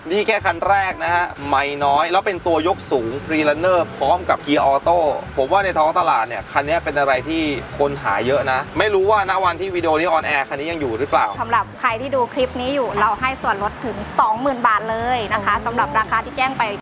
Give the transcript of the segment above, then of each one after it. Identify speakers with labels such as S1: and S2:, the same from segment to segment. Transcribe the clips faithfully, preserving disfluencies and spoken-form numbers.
S1: นี่แค่คันแรกนะฮะไม่น้อยแล้วเป็นตัวยกสูง Freerunner พร้อมกับเกียร์ออโต้ผมว่าในท้องตลาดเนี่ยคันนี้เป็นอะไรที่คนหาเยอะนะไม่รู้ว่าณวันที่วิดีโอนี้ออนแอร์คันนี้ยังอยู่หรือเปล่า
S2: สำหรับใครที่ดูคลิปนี้อยู่เราให้ส่วนลดถึง สองหมื่น บาทเลยนะคะสำหรับราคาที่แจ้งไป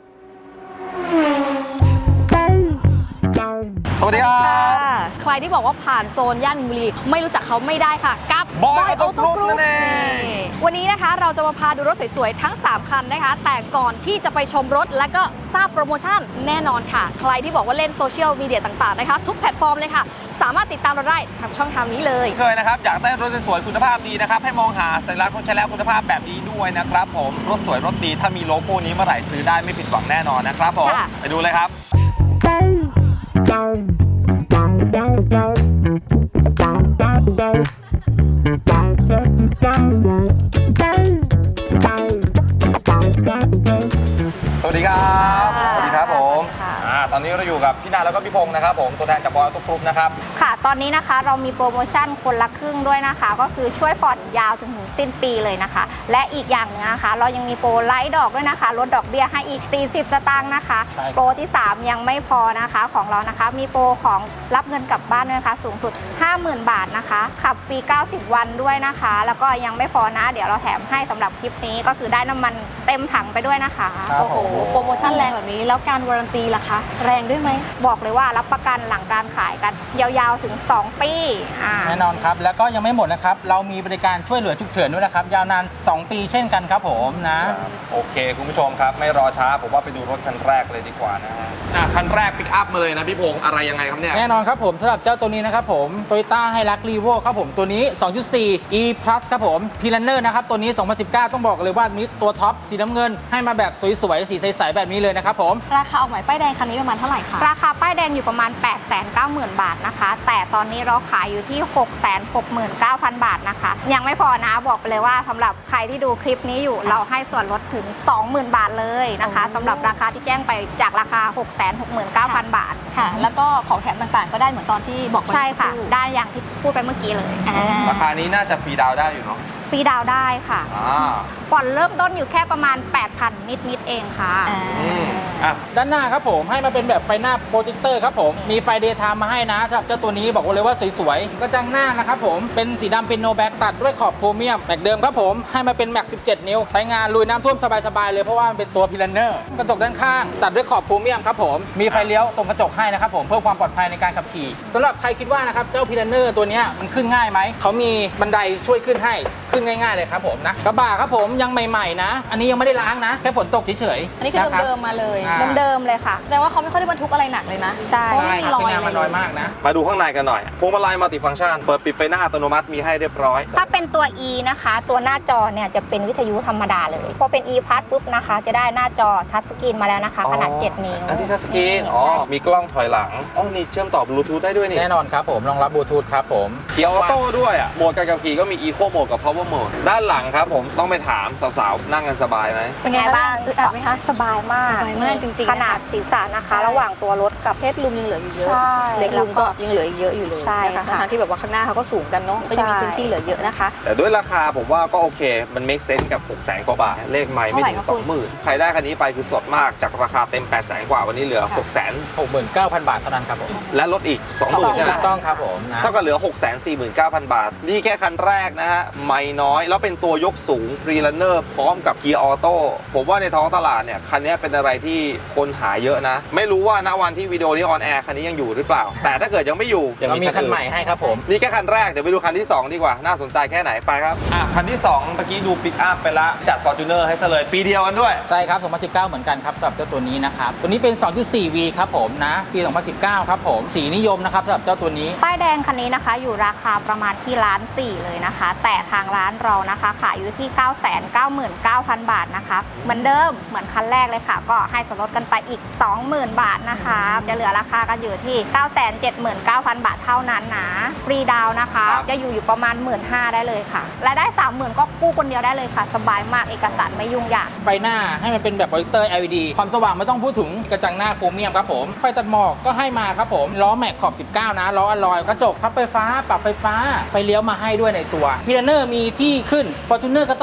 S1: สวัสดีครับ
S3: ใครที่บอกว่าผ่านโซนย่านมินบุรีไม่รู้จักเขาไม่ได้ค่ะกับบ
S1: อยออโต้กรุ๊ปนั่นเอง
S3: วันนี้นะคะเราจะมาพาดูรถสวยๆทั้งสามคันนะคะแต่ก่อนที่จะไปชมรถและก็ทราบโปรโมชั่นแน่นอนค่ะใครที่บอกว่าเล่นโซเชียลมีเดียต่างๆนะคะทุกแพลตฟอร์มเลยค่ะสามารถติดตามเราได้ทางช่องทางนี้เลย
S1: เคยนะครับอยากได้รถสวยๆคุณภาพดีนะครับให้มองหาสัญลักษณ์รถใช้แล้วคุณภาพแบบนี้ด้วยนะครับผมรถสวยรถดีถ้ามีโลโก้นี้เมื่อไหร่ซื้อได้ไม่ผิดหวังแน่นอนนะครับผมไปดูเลยครับสวัสดีครับสวัสดีครับผมตอนนี้เราอยู่กับพี่นาแล้วก็พี่พงศ์นะครับผมตัวแทนจากบอยออโต้กรุ๊ปนะครับ
S2: ค่ะตอนนี้นะคะเรามีโปรโมชั่นคนละครึ่งด้วยนะคะก็คือช่วยผ่อนยาวถึงถึงสิ้นปีเลยนะคะและอีกอย่างหนึ่งนะคะเรายังมีโปรไลท์ดอกด้วยนะคะลดดอกเบี้ยให้อีกสี่สิบสตางค์นะคะโปรที่สามยังไม่พอนะคะของเรานะคะมีโปรของรับเงินกลับบ้านด้วยนะคะสูงสุด ห้าหมื่น บาทนะคะขับฟรีเก้าสิบวันด้วยนะคะแล้วก็ยังไม่พอนะเดี๋ยวเราแถมให้สำหรับคลิปนี้ก็คือได้น้ำมันเต็มถังไปด้วยนะคะ
S3: โอ้โหโปรโมชั่นแรงแบบนี้แล้วการวารันตีล่ะคะแรงด้วยไหม
S2: บอกเลยว่ารับประกันหลังการขายกันยาวๆถึงสองปี
S4: แน่นอนครับแล้วก็ยังไม่หมดนะครับเรามีบริการช่วยเหลือฉุกเฉินด้วยนะครับยาวนานสองปีเช่นกันครับผมนะ
S1: โอเคคุณผู้ชมครับไม่รอช้าผมว่าไปดูรถคันแรกเลยดีกว่านะฮะคันแรกปิกอัพมาเลยนะพี่พงศ์อะไรยังไงครับเนี่ย
S4: แน่นอนครับผมสำหรับเจ้าตัวนี้นะครับผม Toyota Hilux Revo ครับผมตัวนี้ สองจุดสี่ E Plus ครับผม Freerunner นะครับตัวนี้สองพันสิบเก้าต้องบอกเลยว่านี้ตัวท็อปสีน้ำเงินให้มาแบบสวยๆสีใสๆแบบนี้เลยนะครับผม
S3: ราคาออกใหม่ป้ายแดงคันนี้ประมาณเท่าไหร่คะ
S2: ราคาป้ายแดงอยู่ประมาณ แปดแสนเก้าหมื่น บาทนะคะแต่ตอนนี้เราขายอยู่ที่ หกแสนหกหมื่นเก้าพัน บาทนะคะยังไม่พอนะบอกไปเลยว่าสำหรับใครที่ดูคลิปนี้อยู่เราให้ส่วนลดถึง สองหมื่น บาทเลยนะคะสำหรับราคาที่แจ้งไปจากราคา หกแสนหกหมื่นเก้าพัน บาท
S3: ค่ะแล้วก็ของแถมต่างๆก็ได้เหมือนตอนที่บอก
S2: ใช่ค่ะได้อย่างที่พูดไปเมื่อกี้เลย
S1: ราคานี้น่าจะฟรีดาวได้อยู่เนาะ
S2: ฟรีดาวได้ค่ะผ่อนเริ่มต้นอยู่แค่ประมาณ แปดพัน นิดๆเองค่ะ
S4: ด้านหน้าครับผมให้มาเป็นแบบไฟหน้าโปรเจคเตอร์ครับผมมีไฟเดย์ไทม์มาให้นะสำหรับเจ้าตัวนี้บอกเลยว่าสวยๆกระจังหน้านะครับผมเป็นสีดำเป็นโนแบ็กตัดด้วยขอบโครเมียมแม็กเดิมครับผมให้มาเป็นแม็กสิบเจ็ดนิ้วใช้งานลุยน้ำท่วมสบายๆเลยเพราะว่ามันเป็นตัวพิลันเนอร์กระจกด้านข้างตัดด้วยขอบโครเมียมครับผมมีไฟเลี้ยวตรงกระจกให้นะครับผมเพื่อความปลอดภัยในการขับขี่สำหรับใครคิดว่านะครับเจ้าพิลันเนอร์ตัวนี้มันขึ้นง่ายไหมเขามีบันไดช่วยขึ้นให้ขึ้นง่ายๆเลยครับผมนะกระบะครับผมยังใหม่ๆนะอันนี้ยังไม่ได้ล้างนะแค่ฝนตกเฉย
S3: ๆอันนี้คือเดิมๆมาเลย
S2: เดิมๆเลยค่ะ
S3: แสดงว่าเขาไม่ค่อยได้บรรทุกอะไรหนักเลยนะ
S2: ใช่
S3: ไม่มีรอย
S4: มันน้อยมากนะ
S1: มาดูข้างในกันหน่อยพวงมาลัยมัลติฟังก์ชันเปิดปิดไฟหน้าอัตโนมัติมีให้เรียบร้อย
S2: ถ้าเป็นตัว E นะคะตัวหน้าจอเนี่ยจะเป็นวิทยุธรรมดาเลยพอเป็น E Plus ปุ๊บนะคะจะได้หน้าจอทัชสกรีนมาแล้วนะคะขนาดเจ็ดนิ้ว
S1: อันที่ทัชสกรีนอ๋อมีกล้องถอยหลังอ๋อนี่เชื่อมต่อบลูทูธได้ด้วยนี่
S4: แน่นอนครับผมรองรับบลูทูธครับผม
S1: เกียร์ออโต้ด้วยอ่ะโหมดการขับขี่ก็มี Eco Mode กับ Power Mode ด้านหลังครับผมต้องไปถามสาวๆนั่งกันสบายไหม
S2: เป็นไงบ้าง
S3: อึดอัดไหมคะ
S2: สบายมาก
S3: สบายมากจริงๆ
S2: ขนาดศีรษะนะคะระหว่างตัวรถกับ
S3: เพศลุมยังเหลืออยู่เยอะเล็กลุมก็ยังเหลืออีกเยอะอยู่เลยนะคะทั้งที่แบบว่าข้างหน้าเขาก็สูงกันเนาะก็ยังมีพื้นที่เหลือเยอะนะคะ
S1: แต่ด้วยราคาผมว่าก็โอเคมัน make sense กับ หกแสน กว่าบาทเลขไม่ไม่ถึง สองหมื่น ใครได้คันนี้ไปคือสดมากจากราคาเต็ม แปดแสน กว่าวันนี้เหลือ หกแสน
S4: หกหมื่นเก้าพัน บาทเท่านั้นครับผม
S1: และลดอีก สองหมื่น ใช่ไหม
S4: ถูกต้องครับผม
S1: เท่ากับเหลือ หกแสนสี่หมื่นเก้าพัน บาทนี่แค่คันแรกนะฮะไม่น้อยแล้วเป็นตัวยกสูง Freerunner พร้อมกับเกียร์ออโต้ผมว่าในท้องตลาดเนี่ยคันนี้เป็นอะไรที่คนหาเยอะนะไม่รู้ว่าณวันที่วิดีโอนี้ออนแอร์คันนี้ยังอยู่หรือเปล่าแต่ถ้าเกิดยังไม่อยู่
S4: ยังมีคันใหม่ให้ครับผม
S1: นี่แค่คันแรกเดี๋ยวไปดูคันที่สองดีกว่าน่าสนใจแค่ไหนไปครับอ่ะคันที่สองเมื่อกี้ดูปิกอัพไปละจัด Fortuner ให้ซะเลยปีเดียวกันด้วย
S4: ใช่ครับสองพันสิบเก้าเหมือนกันครับสำหรับเจ้าตัวนี้นะครับตัวนี้เป็น สองจุดสี่ วี ครับผมนะปีสองพันสิบเก้าครับผมสีนิยมนะครับสำหรับเจ้าตัวนี้
S2: ป้ายแดงคันนี้นะคะอยู่ราคาประมาณที่ล้านสี่เลยนะคะแต่ทางร้านเรานะคะขายอยู่ที่ เก้าแสนเก้าหมื่นเก้าพัน บาทนะคะเหมือนเดิมเหมือนคันแรกเลยค่ะก็ให้ส่วนลดกันไปอีก สองหมื่น บาทนะคะจะเหลือราคากันอยู่ที่ เก้าแสนเจ็ดหมื่นเก้าพัน บาทเท่านั้นนะฟรีดาวนะคะจะอยู่อยู่ประมาณ หนึ่งหมื่นห้าพัน ได้เลยค่ะรายได้ สามหมื่น ก็กู้คนเดียวได้เลยค่ะสบายมากเอกสารไม่ยุ่งยาก
S4: ไฟหน้าให้มันเป็นแบบโปรเจคเตอร์ แอล อี ดี ความสว่างไม่ต้องพูดถึงกระจังหน้าโครเมียมครับผมไฟตัดหมอกก็ให้มาครับผมล้อแม็กขอบสิบเก้านะล้ออลลอยกระจกพับไฟฟ้าปรับไฟฟ้าไฟเลี้ยวมาให้ด้วยในตัวพิลันเนอร์มีที่ขึ้น Fortuner ก็ต้องมีให้อยู่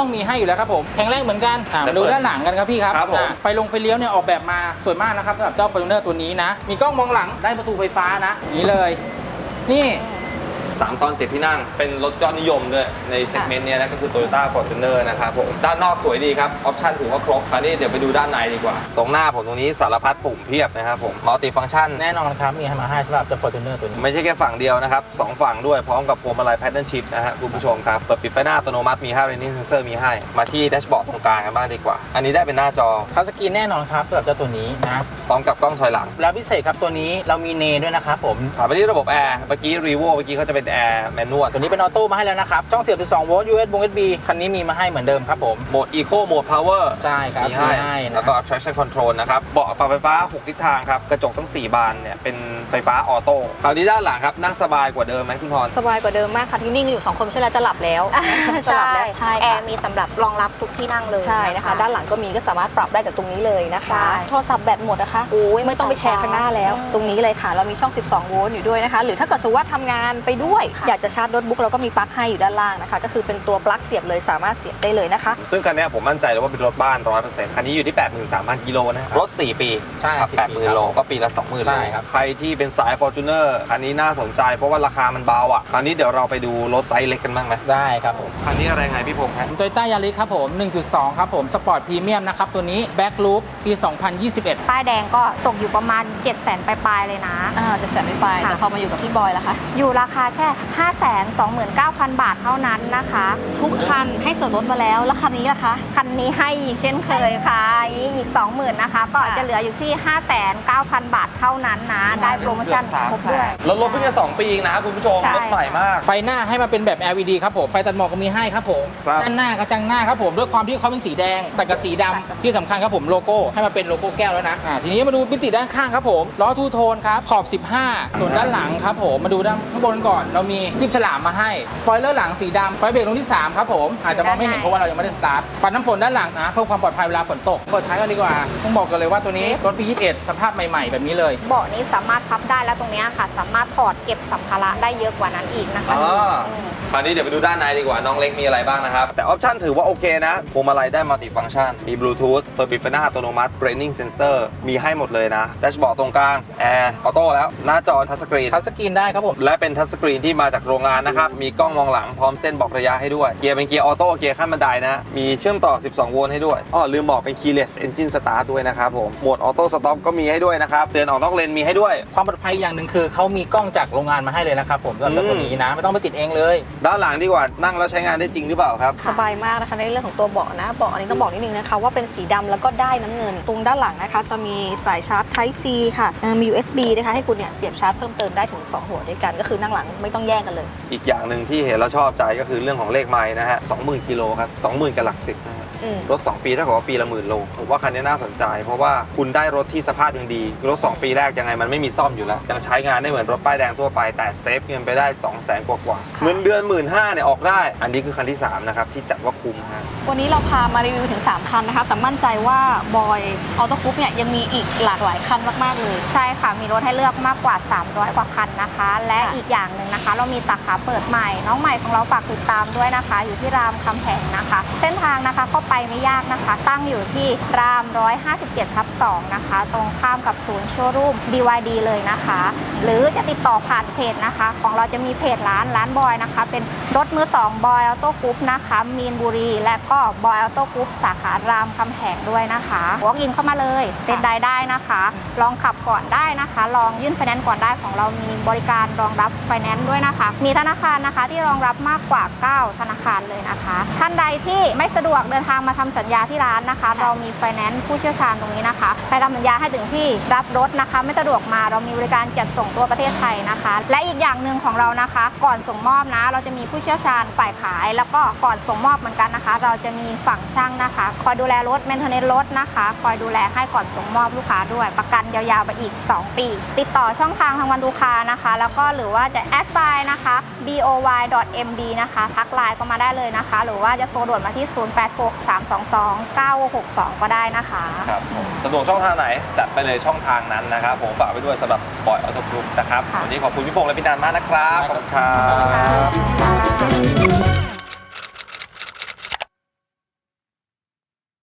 S4: อยู่แล้วครับผมแข็งแรงเหมือนกันอ่ามาดูด้านหลังกันครับพี่ครับ
S1: ครับผม
S4: อ่าไฟลงไฟเลี้ยวเนี่ยออกแบบมาสวยมากนะครับสำหรับเจ้า Fortuner ตัวนี้นะมีกล้องมองหลังได้ประตูไฟฟ้านะอย่างนี้เลยนี่
S1: สามตอนเจ็ดที่นั่งเป็นรถยอดนิยมด้วยในเซกเมนต์เนี้ยนะก็คือ Toyota Fortuner นะครับผมด้านนอกสวยดีครับออปชั่นถือว่าครบคราวนี้เดี๋ยวไปดูด้านในดีกว่า ตรงหน้าผมตรงนี้สารพัดปุ่มเพียบนะครับผมมัลติฟังก์ชัน
S4: แน่นอนครับมีให้มาให้สำหรับเจ้า Fortuner ตัวนี้
S1: ไม่ใช่แค่ฝั่งเดียวนะครับสองฝั่งด้วยพร้อมกับพวงมาลัย Pattern Shift นะฮะคุณผู้ชมครับเปิดปิดไฟหน้าอัตโนมัติมีห้า Rain Sensor มีให้มาที่แดชบอร์ดตรงกลางกันบ้างดีกว่าอันนี้ได้เป็นหน้าจอ
S4: ทัชสกรีนแน่นอนครับสำหรับเจ้าตัวนี้นะ
S1: พร้อมกับกล้องถอยหลัง
S4: แล้วพิเศษครับตัวนี้เรามีเนด้วยนะครับผม
S1: ถามไปที่ระบบแอร์เมื่อกี้ Revo เมื่อกี้เขาจะเป็นแอร์แมนนวล
S4: ตัวนี้เป็นออโต้มาให้แล้วนะครับช่องเสียบ สิบสอง โวลต์ ยู เอส บี ยู เอส บี คันนี้มีมาให้เหมือนเดิมครับผม
S1: โหมด Eco โหมด Power
S4: ใช่ครับ
S1: มีให้
S4: มีให้นะ
S1: แล้วก็ traction control นะครับเบาะปรับไฟฟ้าหกทิศทางครับกระจกทั้งสี่บานเนี่ยเป็นไฟฟ้าออโต้คราวนี้ด้านหลังครับนั่งสบายกว่าเดิมไหมคุณพร
S3: สบายกว่าเดิมมากค่ะที่นิ่งกันอยู่สองคนไม่ใช่แล้วจะหลับแล้วจะหลับแล้วใช่
S2: แอ
S3: ค่ะ
S2: ร์มีสำหรับรองรับทุกที่นั่งเลย
S3: ใช่นะคะด้านหลังก็มีก็สามารถปรับได้จากตรงนี้เลยนะคะ
S2: ใช่
S3: โทรศัพท์แบตหมดนะคะโอ้ยไม่ต้องไปแชร์ข้างหน้าแล้ว ตรงนี้เลยค่ะเรามีช่อง สิบสอง โวลต์อยู่ด้วยนะคะหรือถ้าเกิดสมมติว่าทำงานไปด้วยอยากจะชาร์จโน้ตบุ๊กเราก็มีปลั๊กให้อยู่ด้านล่างนะคะก็คือเป็นตัวปลั๊กเสียบเลยสามารถเสียบได้เลยนะคะ
S1: ซึ่งคันนี้ผมมั่นใจเลยว่าเป็นรถบ้าน ร้อยเปอร์เซ็นต์ คันนี้อยู่ที่ แปดหมื่นสามพัน กิโลนะครับรถ สี่ ปี
S4: ใช่
S1: ครับ
S4: สี่
S1: แปดหมื่น
S4: ปีครับ
S1: โลก็ปีละ สองหมื่น
S4: ใช่
S1: โล
S4: ครับ
S1: ใครที่เป็นสาย Fortuner คันนี้น่าสนใจเพราะว่าราคามันเบาอ่ะคราวนี้เดี๋ยวเราไปดูรถไซส์เล็กกันบ้างไหม
S4: ได้ครับผม
S1: คันนี้อะไรไงพี่พงษ์ครับ
S4: โตโยต้ายาริสครับผม หนึ่งจุดสอง ครับผมสปอร์ตพรีเมียมนะครับตัวนี้แบ็คลูปปี สองพันยี่สิบเอ็ด
S2: ป้ายแดงก็ตกอยู่ประมาณ เจ็ดแสน ปลายๆเลยนะ
S3: อ่าจะแสนไม่ไป
S2: ค่ะ
S3: แต่พอมาอยู่กับพี่บอยล่ะคะ
S2: อยู่ราคาแค่ ห้าแสนสองหมื่นเก้าพัน บาทเท่านั้นนะคะ
S3: ทุกคันให้ส่วนลดมาแล้วแล้วคันนี้ล่ะคะ
S2: คันนี้ให้อีกเช่นเคยค่ะอีก สองหมื่น นะคะ ก็จะเหลืออยู่ที่ ห้าแสนเก้าพัน บาทเท่านั้นนะ ได้โปรโมชั่นครบด้วย
S1: รถรถเพิ่งจะสองปีเองนะคุณผู้ชม
S2: ใช่
S1: รถใหม่มาก
S4: ไฟหน้าให้มาเป็นแบบ แอล อี ดี ครับผมไฟตัดหมอกก็มีให้ครับผม
S1: ครับ
S4: ด้านหน้ากระจังหน้าครับผมด้วยความที่เขาเป็นสีแดงแต่กับสีดำที่สำคัญครับผมโลโก้ให้มาเป็นโลโก้แก้วแล้วนะอ่าทีนี้มาดูมิติด้านข้างครับผมล้อทูโทนครับขอบสิบห้าส่วนด้านหลังครับผมมาดูด้านข้างบนก่อนเรามีคลิปฉลามมาให้สปอยเลอร์หลังสีดำไฟเบรกตรงที่สามครับผมอาจจะมองไม่เห็นเพราะว่าเรายังไม่ได้สตาร์ทปัดน้ำฝนด้านหลังนะเพื่อความปลอดภัยเวลาฝนตกเปิดท้ายกันดีกว่าต้องบอกกันเลยว่าตัวนี้รถปียี่สิบเอ็ดสภาพใหม่ๆแบบนี้เลย
S2: เบาะนี้สามารถพับได้แล้วตรงเนี้ยค่ะ สามารถถอดเก็บสัมภาระได้เยอะกว่านั้นอีกนะคะ
S1: อ๋อ
S2: อืม
S1: คราวนี้เดี๋ยวไปดูด้านในดีกว่าน้องเล็กมีอะไรบ้างนะครับ แต่ออปชั่นถือว่าโอเคนะพวงมาลัยได้มัลติฟังก์ชันมีบลูทูธเปิดปิดไฟหน้าอัตโนมัติ Braining Sensor มีให้หมดเลยนะแดชบอร์ดตรงกลางแอร์ออโต้แล้วหน้าจอทัชสกรีน
S4: ทัชสกรีนได้ครับผม
S1: และเป็นทัชสกรีนที่มาจากโรงงานนะครับ มีกล้องมองหลังพร้อมเส้นบอกระยะให้ด้วย เกียร์เป็นเกียร์ออโต้ เกียร์ขั้นบันไดนะ มีเชื่อมต่อ สิบสอง โวลต์ให้ด้วย อ้อ ลืมบอกเป็น Keyless Engine Start ด้วยนะครับผม โหมดออโต้สต็อปก็มีให้ด้วยนะครับ เตือนออกนอกเลนมีให้ด้วย
S4: ความปลอดภัยอย่างหนึ่งคือเขามีกล้องจากโรงงานมาให้เลยนะครับผมสำหรับตัวนี้นะไม่ต้องไปติดเองเลย
S1: ด้านหลังดีกว่า นั่งแล้วใช้งานได้จริงหรือเปล่าครับ
S3: สบายมากนะคะในเรื่องของตัวเบาะนะเบาะอันนี้ต้องบอกนิดนึงนะคะว่าเป็นสีดำแล้วก็ได้น้ำเงินตรงด้านหลังนะคะจะมีสายชาร์จ Type C ค่ะเอ่อมี ยู เอส บี นะคะให้คุณเนี่ยเสียบชาร์จเพิ่มเติมได้ถึงสองหัวด้วยกันก็คือนั่งหลังไม่ต้องแย่งกันเลย
S1: อีกอย่างหนึ่งที่เห็นแล้วชอบใจก็คือเรื่องของเลขไมล์นะฮะ สองหมื่น กิโลครับ สองหมื่น กับหลักสิบนะฮะ
S3: อืม
S1: รถ สอง ปีถ้าเกิดว่าปีละหมื่นโลผมว่าคันนี้น่าสนใจ เพราะว่าคุณได้รถที่สภาพยังดี รถ สอง ปีแรกยังไงมันไม่มีซ่อมอยู่แล้ว ยังใช้งานได้เหมือนรถป้ายแดงทั่วไปแต่เซฟเงินไปได้ สองแสน กว่าๆเงินเดือน หนึ่งหมื่นห้าพัน เนี่ยออกได้ อันนี้คือคันที่สามนะครับที่จัดว่าคุ้มฮะ
S3: วันนี้เราพามารีวิวถึงสามคันนะคะแต่มั่นใจว่าบอยออโต้กรุ๊ปเนี่ยยังมีอีกหลากหลายคันมากๆเลย
S2: ใช่ค่ะ มีรถให้เลือกมากกว่า สามร้อย กว่าคันนะคะ และ
S3: ค่ะ
S2: อีกอย่างหนึ่งนะคะ เรามีสาขาเปิดใหม่ น้องใหม่ของเราฝากติดตามด้วยนะคะ อยู่ที่รามคำแหงนะคะ เส้นทางนะคะเข้าไปไม่ยากนะคะ ตั้งอยู่ที่ราม หนึ่งร้อยห้าสิบเจ็ดทับสอง นะคะ ตรงข้ามกับศูนย์โชว์รูม บี วาย ดี เลยนะคะ หรือจะติดต่อผ่านเพจนะคะ ของเราจะมีเพจร้านร้านบอยนะคะ เป็นรถมือสองบอยออโต้กรุ๊ปนะคะ มีนบุรี และก็บอยออโต้กรุ๊ปสาขารามคำแหงด้วยนะคะ walk in เข้ามาเลยเต็นได้ได้นะคะ ลองขับก่อนได้นะคะ ลองยื่นไฟแนนซ์ก่อนได้ของเรามีบริการรองรับไฟแนนซ์ด้วยนะคะ มีธนาคารนะคะที่รองรับมากกว่า เก้า ธนาคารเลยนะคะ ท่านใดที่ไม่สะดวกเดินทางมาทำสัญญาที่ร้านนะคะ เรามีไฟแนนซ์ผู้เชี่ยวชาญตรงนี้นะคะไปทำสัญญาให้ถึงที่รับรถนะคะ ไม่สะดวกมาเรามีบริการจัดส่งทั่วประเทศไทยนะคะ และอีกอย่างหนึ่งของเรานะคะ ก่อนส่งมอบนะ เราจะมีผู้เชี่ยวชาญฝ่ายขาย แล้วก็ก่อนส่งมอบเหมือนกันนะคะ เราจะมีฝั่งช่างนะคะคอยดูแลรถเมนเทนเนนรถนะคะคอยดูแลให้ก่อนส่งมอบลูกค้าด้วยประกันยาวๆไปอีก สอง ปี ติดต่อช่องทางทางวันดูคานะคะ แล้วก็หรือว่าจะแอดไซน์นะคะ บี โอ วาย ดอท เอ็ม บี นะคะทักไลน์ก็มาได้เลยนะคะ หรือว่าจะโทรด่วนมาที่ ศูนย์ แปด หก สาม สอง สอง เก้า หก สอง ก็ได้นะคะ
S1: ครับผมสะดวกช่องทางไหนจัดไปเลยช่องทางนั้นนะครับผมฝากไปด้วยสำหรับบอยออโต้กรุ๊ปนะครับ
S2: ค่ะ
S1: วันนี้ขอบคุณพี่พงษ์และพี่นันมากนะครับขอบคุณครั
S2: ขอบคุณ
S1: บ
S2: ค่ะ